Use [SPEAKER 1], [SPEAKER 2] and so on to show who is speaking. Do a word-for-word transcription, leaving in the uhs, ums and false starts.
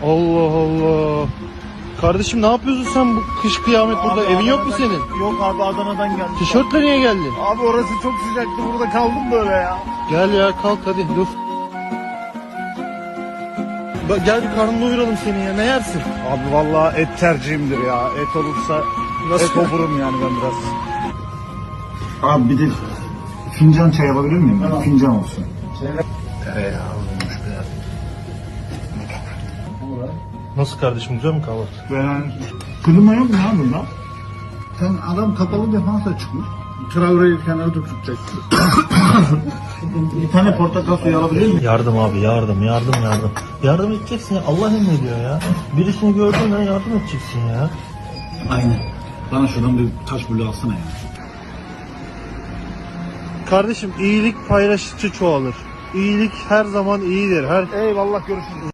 [SPEAKER 1] Allah Allah. Kardeşim ne yapıyorsun sen bu kış kıyamet
[SPEAKER 2] Abi
[SPEAKER 1] burada? Evin yok mu
[SPEAKER 2] Adana'dan-
[SPEAKER 1] senin?
[SPEAKER 2] Yok abi, Adana'dan geldim.
[SPEAKER 1] Tişörtle niye geldin?
[SPEAKER 2] Abi orası çok sıcaktı, burada kaldım böyle ya.
[SPEAKER 1] Gel ya kalk hadi dur. Bak, gel bir karnını doyuralım seni ya, ne yersin?
[SPEAKER 2] Abi vallahi et tercihimdir ya. Et olursa
[SPEAKER 1] Nasıl?
[SPEAKER 2] et oburum yani ben biraz.
[SPEAKER 3] Abi bir de fincan çay alabilir miyim? Tamam. Fincan olsun.
[SPEAKER 1] Tereyağı olmuş be. Nasıl kardeşim, güzel mi kahvaltı?
[SPEAKER 3] Yani klima yok mu ya bunda? Sen adam kapalı defansa çıkmış. Traore'yi kenara tutacaksın. Bir tane portakal suyu alabilir miyim?
[SPEAKER 1] Yardım abi, yardım yardım yardım. Yardım edeceksin ya, Allah emrediyor ya. Birisini gördün ya, yardım edeceksin ya.
[SPEAKER 3] Aynen. Bana şuradan bir taş bulu alsana ya.
[SPEAKER 1] Kardeşim iyilik paylaştıkça çoğalır. İyilik her zaman iyidir. Her
[SPEAKER 2] Eyvallah, görüşürüz.